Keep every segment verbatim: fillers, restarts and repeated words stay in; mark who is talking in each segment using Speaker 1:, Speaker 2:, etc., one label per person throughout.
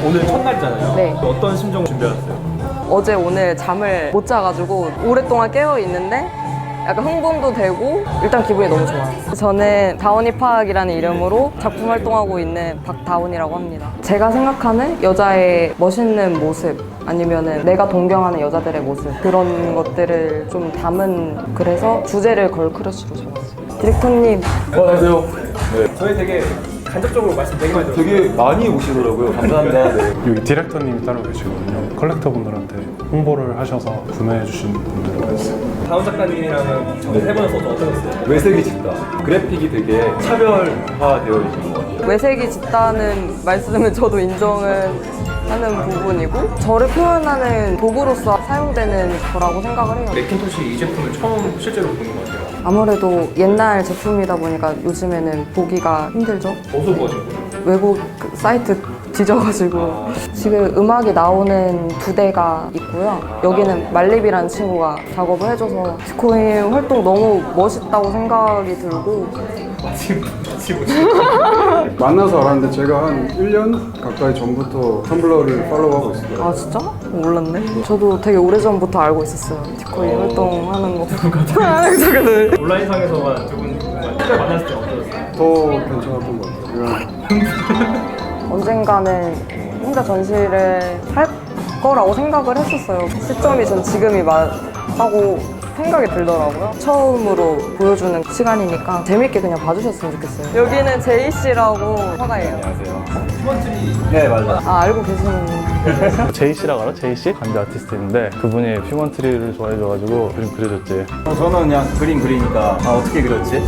Speaker 1: 오늘 첫날이잖아요.
Speaker 2: 네.
Speaker 1: 어떤 심정 준비하셨어요?
Speaker 2: 어제 오늘 잠을 못 자가지고 오랫동안 깨어 있는데 약간 흥분도 되고 일단 기분이 너무 좋아요. 저는 다원이 파악이라는 이름으로 작품 활동하고 있는 박다원이라고 합니다. 제가 생각하는 여자의 멋있는 모습 아니면은 내가 동경하는 여자들의 모습 그런 것들을 좀 담은 그래서 주제를 걸크러쉬로 정했어요. 디렉터님
Speaker 3: 안녕하세요. 네.
Speaker 1: 저희 되게 간접적으로 말씀 되게 많이 들었어요.
Speaker 3: 되게 많이 오시더라고요. 감사합니다. 네.
Speaker 4: 여기 디렉터님이 따로 계시거든요. 컬렉터분들한테 홍보를 하셔서 구매해 주신 분들이 있어요.
Speaker 1: 다운 작가님이랑은 저희 세 번에서 어떠셨어요?
Speaker 3: 외색이 짙다. 그래픽이 되게 차별화되어 있는 것 같아요.
Speaker 2: 외색이 짙다는 말씀은 저도 인정은 하는 부분이고 저를 표현하는 도구로서 사용되는 거라고 생각을 해요.
Speaker 1: 맥킨토시 이 제품을 처음 실제로 보는 것 같아요.
Speaker 2: 아무래도 옛날 제품이다 보니까 요즘에는 보기가 힘들죠.
Speaker 1: 어디서 보신 거예요?
Speaker 2: 외국 그 사이트 뒤져가지고 지금 음악이 나오는 두 대가 있고요. 여기는 말립이라는 친구가 작업을 해줘서 디코인 활동 너무 멋있다고 생각이 들고
Speaker 1: 마침 마침
Speaker 5: 만나서 알았는데 제가 한 일 년 가까이 전부터 텀블러를 팔로우하고 있어요.
Speaker 2: 아 진짜? 몰랐네. 저도 되게 오래전부터 알고 있었어요. 디코인 활동하는 거. 그래서
Speaker 1: 온라인상에서만 두분 실제 만났을 때 어떠셨어요?
Speaker 5: 더 괜찮았던 것 같아요.
Speaker 2: 언젠가는 혼자 전시를 할 거라고 생각을 했었어요. 시점이 전 지금이 맞다고 생각이 들더라고요. 처음으로 보여주는 시간이니까 재밌게 그냥 봐주셨으면 좋겠어요. 여기는 제이씨라고 화가예요.
Speaker 3: 안녕하세요.
Speaker 1: 휴먼트리
Speaker 3: 네, 맞아요.
Speaker 2: 아 알고 계시는
Speaker 6: 제이씨라고 알아? 제이씨? 관대 아티스트인데 그분이 휴먼트리를 좋아해줘가지고 그림 그려줬지.
Speaker 3: 어, 저는 그냥 그림 그리니까 아, 어떻게 그렸지?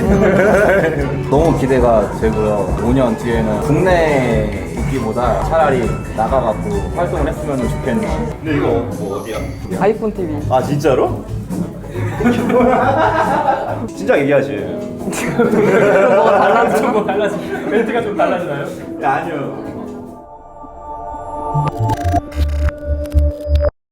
Speaker 3: 너무 기대가 되고요. 오 년 뒤에는 국내 있기보다 차라리 나가갖고 활동을 했으면 좋겠네요.
Speaker 1: 근데 이거 뭐 어디야?
Speaker 2: 아이폰 티비.
Speaker 3: 아, 진짜로? 진짜 얘기하지.
Speaker 2: 뭐가 달라져?
Speaker 1: 좀 뭐 달라지 멘트가 좀 달라지나요?
Speaker 3: 야, 아니요.